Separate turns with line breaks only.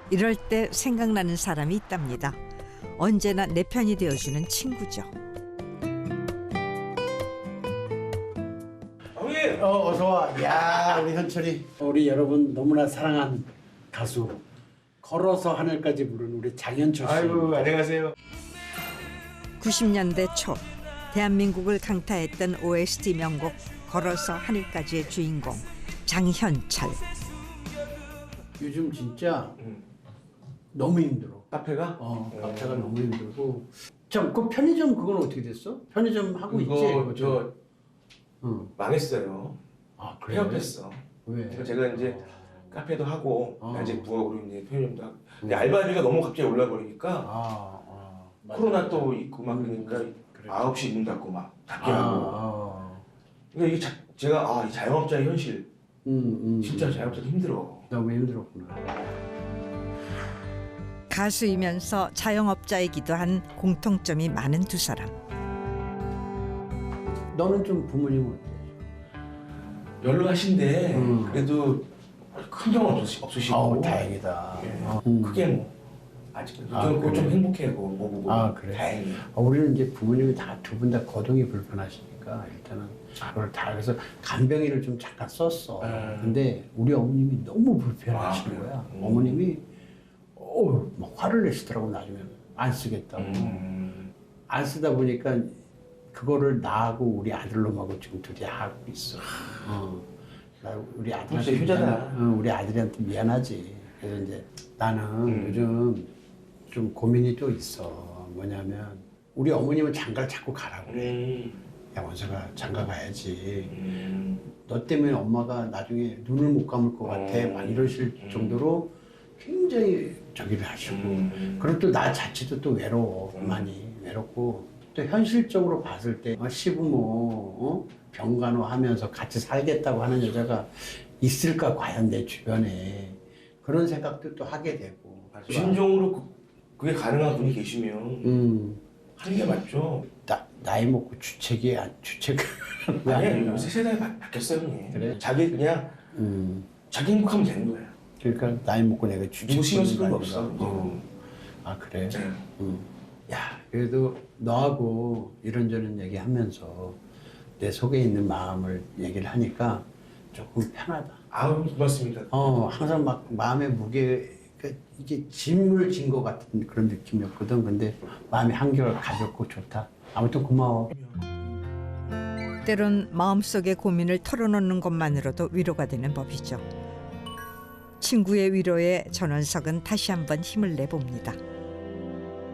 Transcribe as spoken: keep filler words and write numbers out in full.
이럴 때 생각나는 사람이 있답니다. 언제나 내 편이 되어주는 친구죠.
어, 어서 와. 야, 우리 현철이. 우리 여러분 너무나 사랑한 가수. 걸어서 하늘까지 부른 우리 장현철 씨.
아이고, 안녕하세요.
구십 년대 초 대한민국을 강타했던 오에스티 명곡 걸어서 하늘까지의 주인공 장현철.
요즘 진짜
음.
너무 힘들어.
카페가?
어,
음.
카페가 너무 힘들고. 참, 그 편의점 그건 어떻게 됐어? 편의점 하고 있지?
이거 저
응.
망했어요.
아, 그래?
폐업했어.
왜?
그래서 제가 이제 카페도 하고
어.
낮에 부업으로 이제 편의점도 하고. 근데 알바비가 너무 갑자기 올라 버리니까
아, 아. 맞아.
코로나 또 있고 막
음,
그러니까
그래.
아홉 시 문 닫고 막 닫게
아,
하고.
아.
그러니까 이게 자, 제가 아, 이 자영업자의 현실.
음, 음,
진짜
음.
자영업자도 힘들어.
너무 힘들었구나.
가수이면서 자영업자이기도 한 공통점이 많은 두 사람.
너는 좀 부모님은 어때?
연로하신데
음.
그래도 큰 병은 없으시, 없으시고.
아우, 다행이다.
예.
어. 음.
크게 뭐 아직
아,
좀,
그래?
좀 행복해하고 뭐 보고
아, 그래?
다행히.
어, 우리는 이제 부모님이 다 두 분 다 거동이 불편하시니까 일단은 그걸 다 그래서 간병인을 좀 잠깐 썼어.
음.
근데 우리 어머님이 너무 불편하시는
아,
거야.
음.
어머님이 어, 막 화를 내시더라고. 나중에 안 쓰겠다고.
음.
안 쓰다 보니까 그거를 나하고 우리 아들놈하고 지금 둘이 하고 있어. 어. 나 우리 아들한테
진짜 효자다.
미안, 어, 우리 아들한테 미안하지. 그래서 이제 나는
음.
요즘 좀 고민이 또 있어. 뭐냐면 우리 어머님은 장가를 자꾸 가라고 그래.
음.
야, 원서가 장가 가야지.
음.
너 때문에 엄마가 나중에 눈을 못 감을 것 같아.
음.
막 이러실
음.
정도로 굉장히 저기를 하시고.
음.
그리고 또 나 자체도 또 외로워.
음.
많이 외롭고. 또 현실적으로 봤을 때 어, 시부모 어? 병간호 하면서 같이 살겠다고 하는 여자가 있을까 과연 내 주변에. 그런 생각도 또 하게 되고.
진정으로 그, 그게 가능한 분이 계시면
음.
하는 게 맞죠.
나, 나이 먹고 주책이 안 주책.
아니 요새 세상이 바, 바뀌었어요 형님.
그래?
자기 그냥
음.
자기 행복하면 되는 거야.
그러니까 나이 먹고 내가 주책.
누구 신경 쓸 필요가
부리는 거
없어.
아닌가. 어. 아 그래?
네.
음. 야 그래도 너하고 이런저런 얘기하면서 내 속에 있는 마음을 얘기를 하니까 조금 편하다.
아우 고맙습니다.
어 항상 막 마음의 무게 그러니까 이게 짐을 진 것 같은 그런 느낌이었거든. 근데 마음이 한결 가볍고 좋다. 아무튼 고마워.
때론 마음속의 고민을 털어놓는 것만으로도 위로가 되는 법이죠. 친구의 위로에 전원석은 다시 한번 힘을 내봅니다.